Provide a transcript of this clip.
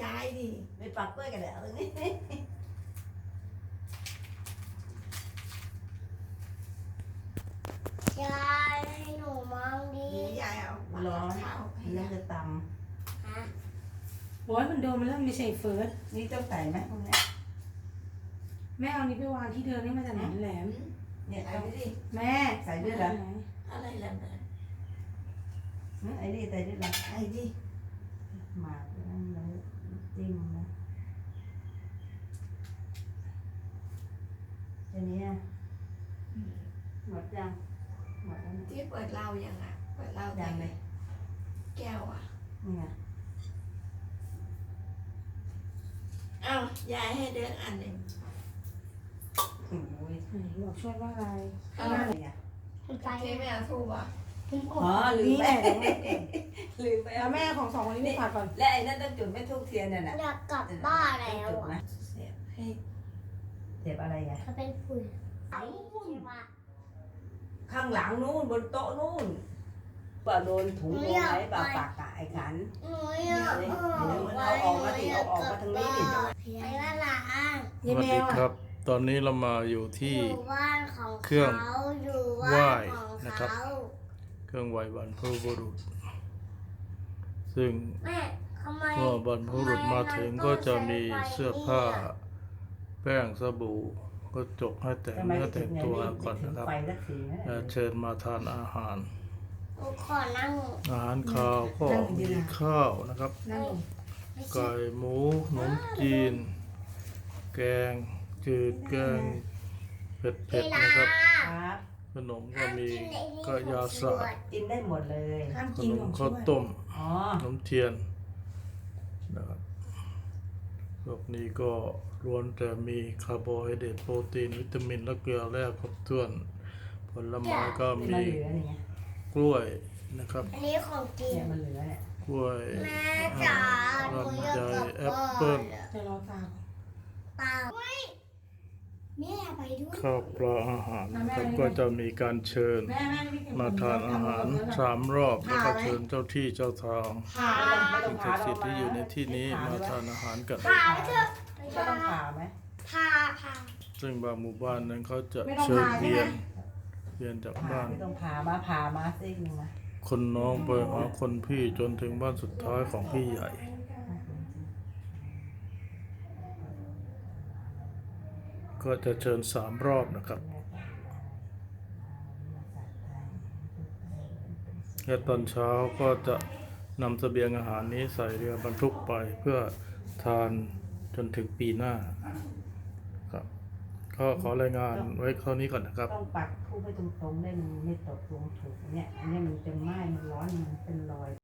ยายดิไปปักกล้วยกันแล้วตรงนี้ยายให้หนูมองดิยายเอาร้อนแล้วจะตฮะโอ้ยมันโดนมันแล้วไม่ใช่เฟิร์สำนี่ต้องใส่ไหมพวกนี้แม่เอานี้ไปวางที่เดิมให้มันจะหนาแหลมเนี่ยเอาดิแม่ใส่ด้วยเหรออะไรแหลมไอ้นี่ใส่ด้วยเหรอไอ้ดิหมากนั่นเลยจิ้มนะทีนี้หมดยังหมดแล้วที่เปิดเหล้ายังอ่ะเปิดเหล้ายังเลยแก้วอ่ะนี่ไงอ้าวยายให้เดินอันหนึ่งโอ้ยไหนบอกช่วยว่าอะไรอะไรอ่ะไปที่ไม่เอาทูบอ่ะอ๋อลืมนี่ไปแหละลืมไปแล้วแม่ของสองคนนี้ไม่ขาดก่อนและไอ้นั่นต้องจุดไม่ทูบเทียนน่ะนะอยากกลับบ้านแล้วจุดอ่ะนะเสียบให้เจ็บอะไรอ่ะเขาเป็นฝุ่นใช่ไหมข้างหลังนู่นบนโต๊ะนู่นว่าโดนถุงโดนอะไรบ่าปากกะไอ้ขันหนูอยากเอาออกมาดิเอาออกมาทางนี้ดิไปบ้านหลานสวัสดีครับ ตอนนี้เรามาอยู่ที่อยู่บ้านของเครื่องเขาอยู่ไหว้บ้านของนะครับเขาเครื่องไหว้บรรพบุรุษ ซึ่งแม่ทำไมเมื่อบรรพบุรุษมาถึงก็จะมีเสื้อผ้า แป้งสบู่ก็จกให้แต่งเนื้อแต่งตัวก่อนนะครับไปสักทีนะและเชิญมาทานอาหารหนูขอนั่งอาหารคาวก็มีข้าวนะครับนั่งลงไม่ใช่ไก่หมูขนมจีน แกงจืดแกงเผ็ดๆนะครับครับขนมก็มีก็ยาสากินได้หมดเลยห้ามขกินนขมองช่ข้าว วย ต้มอ๋อขนมเทียนนะครับพวกนี้ก็ล้วนแต่มีคาร์โบไฮเดรตโปรตีนวิตามินและเกลือแร่ครบถ้วน ผลไม้ก็มันมีเหลือนี่ไงกล้วยนะครับอันนี้ของจริงเนี่ยมันเหลือเนี่ยกล้วยแม่จ๋าหนูอยากกลับแอปบ้าเปิ้ลนจะรอตามเปล่าแม่ไปด้วยข้าวปลาอาหารนะครับก็จะมีการเชิญแม่ไม่เก็บมาทานอาหาร3 รอบแล้วก็เชิญเจ้าที่เจ้าทางผ่าไม่ต้อสิ่งงผ่าศักดิ์สิทธิ์ที่อยู่ในที่นี้มาทานอาหารกันพาไปเถอะไม่ต้องผ่าไหมพาซึ่งบางหมู่บ้านนั้นเขาจะไม่ต้องเชิญผ่าใช่เวีไหมยนเวียนจากผ่าบ้านไม่ต้องผ่ามาซิกหนึ่งนะคนน้องไปหาคนพี่จนถึงบ้านสุดท้ายของพี่ใหญ่ ก็จะเชิญ3 รอบนะครับและตอนเช้าก็จะนำเสบียงอาหารนี้ใส่เรือบรรทุกไปเพื่อทานจนถึงปีหน้าครับก็ขอรายงานไว้เท่านี้ก่อนนะครับต้องปักทูบไปตรงๆได้มันไม่ตกลงถูกเนี่ยอันนี้มันจะไหม้มันร้อนมันเป็นรอย